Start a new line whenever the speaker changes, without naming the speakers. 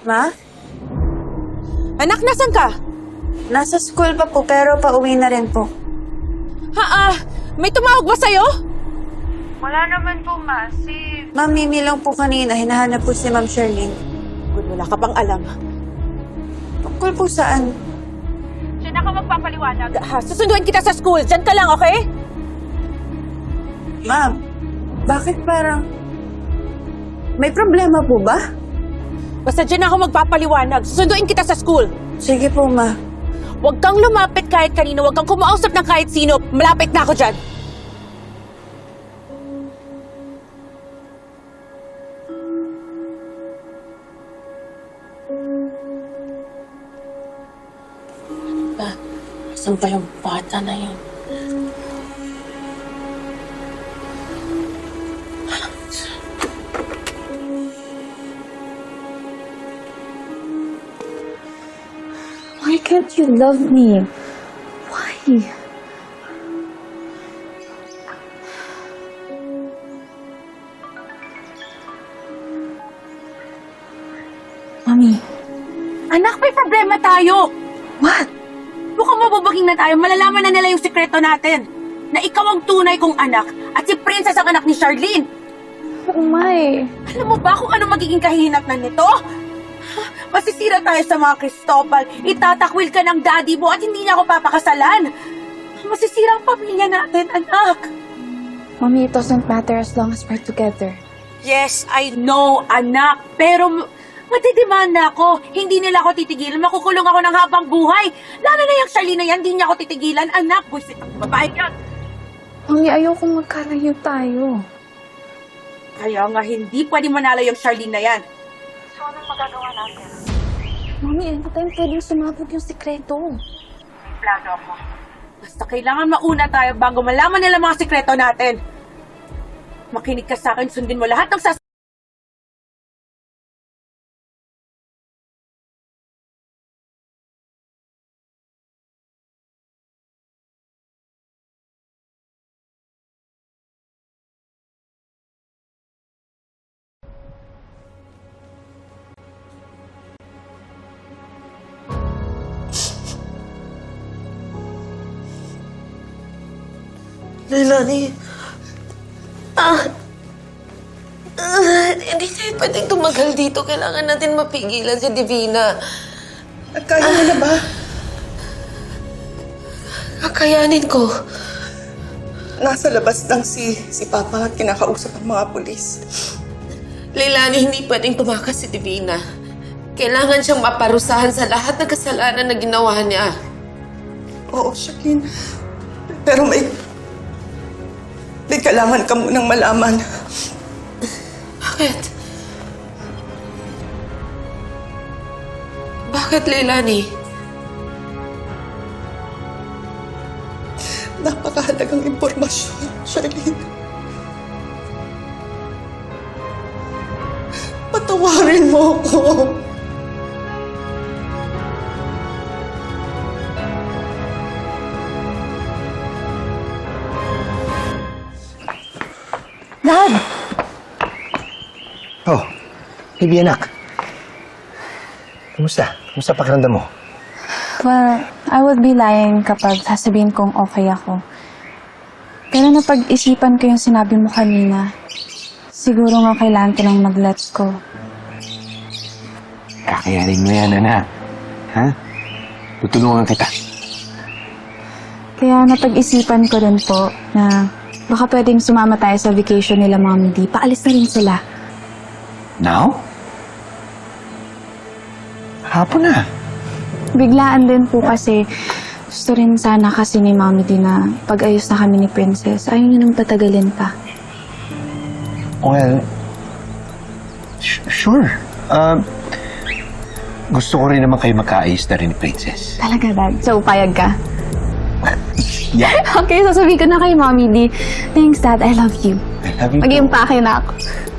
Ma?
Anak, nasan ka?
Nasa school pa po, pero pauwi na rin po.
May tumawag ba sa'yo?
Wala naman po, Ma. Ma'am Mimi lang po kanina. Hinahanap po si Ma'am Charlene.
Good, wala ka bang alam.
Tungkol po saan?
Diyan ako magpapaliwanag. Susunduin kita sa school. Diyan ka lang, okay?
Ma'am, bakit parang... May problema po ba?
Basta diyan ako magpapaliwanag. Susunduin kita sa school.
Sige po, Ma.
Huwag kang lumapit kahit kanino. Huwag kang kumausap ng kahit sino. Malapit na ako dyan.
Saan ba yung bata na yun?
Why can't you love me? Why? Mami.
Anak, may problema tayo.
What?
Mukhang mabubaging na tayo. Malalaman na nila yung sikreto natin. Na ikaw ang tunay kong anak at si Princess ang anak ni Charlene.
Oh my.
Alam mo ba kung ano magiging kahinatnan nito? Masisira tayo sa mga Cristobal. Itatakwil ka ng daddy mo at hindi niya ako papakasalan. Masisira ang pamilya natin, anak.
Mommy, it doesn't matter as long as we're together.
Yes, I know, anak. Pero matidemanda ako. Hindi nila ako titigilan. Makukulong ako ng habang buhay. Lalo na yung Charlene na yan, hindi niya ako titigilan. Anak, buisit ang babae yan.
Mami, ayokong magkalayo tayo.
Kaya nga hindi pwede manalo yung Charlene na yan.
Mami, anytime pwedeng sumabog yung sikreto.
Plano ako. Basta kailangan mauna tayo bago malaman nila mga sikreto natin. Makinig ka sa akin, sundin mo lahat ng
Leilani. Hindi tayo pwedeng tumagal dito. Kailangan natin mapigilan si Divina.
Kaya mo na ba?
Kakayanin ko.
Nasa labas lang si Papa at kinakausap ang mga pulis.
Leilani, hindi pwedeng tumakas si Divina. Kailangan siyang maparusahan sa lahat ng kasalanan na ginawa niya.
Oo, Shakin. Pero may kailangan ka munang malaman.
Bakit? Bakit, Leilani?
Napakahalagang impormasyon, Charlene. Patawarin mo ako.
Dad!
Oh, baby anak. Kumusta? Kumusta pakiramdam mo?
Well, I would be lying kapag sasabihin kong okay ako. Pero napag-isipan ko yung sinabi mo kanina. Siguro nga kailangan ko lang mag-let go.
Kakayanin mo yan, anak. Ha? Tutulungan kita.
Kaya napag-isipan ko rin po na baka pwedeng sumama tayo sa vacation nila Mami D. Paalis na rin sila.
Now? Hapon na.
Biglaan din po kasi gusto rin sana kasi ni Mami D na pag-ayos na kami ni Princess. Ayaw niya nang patagalin pa.
Well, sure. Gusto ko rin naman kayo magkaayos na rin ni Princess.
Talaga, Dad? So, payag ka?
Yeah.
Okay, sasabihin ko na kay Mami D. Thanks, Dad. I love you.
I love you.
Mag-iimpake na ako.